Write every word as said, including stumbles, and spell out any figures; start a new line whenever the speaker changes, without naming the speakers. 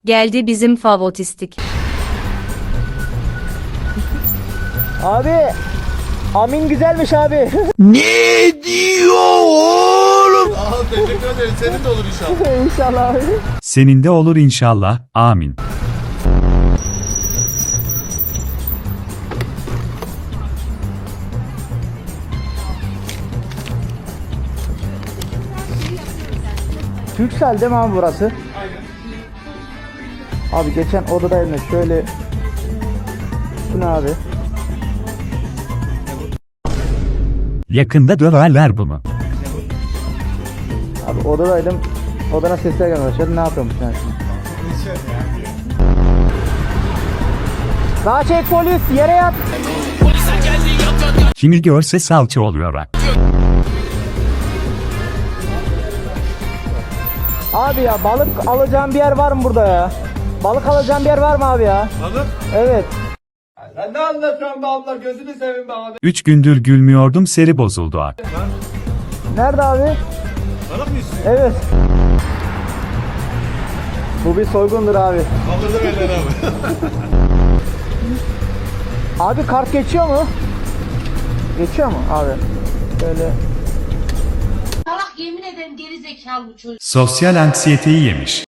Geldi bizim favotistik.
Abi. Amin güzelmiş abi.
Ne diyor oğlum?
Aa, teşekkür ederim. Senin de olur inşallah.
İnşallah abi.
Senin de olur inşallah. Amin.
Türksel değil mi abi burası? Abi geçen odadaydım da şöyle. Bu ne abi?
Yakında döverler bunu.
Abi odadaydım. Odana sesler gelmeye başladı. Ne yapıyormuş yani şimdi? Daha çek polis. Yere yat.
Kimi görse salça oluyor. ha.
Abi ya balık alacağım bir yer var mı burada ya? Balık alacağım bir yer var mı abi ya?
Balık?
Evet.
Sen ne anlatıyorsun be abla? Gözünü seveyim be abi.
Üç gündür gülmüyordum, seri bozuldu. ha.
Nerede abi?
Balık mı istiyorsun?
Evet. Bu bir soygundur abi.
Kaldırdım elleri abi.
Abi kart geçiyor mu? Geçiyor mu abi? Böyle.
Salak yemin ederim geri zekalı bu çocuk.
Sosyal anksiyeteyi yemiş.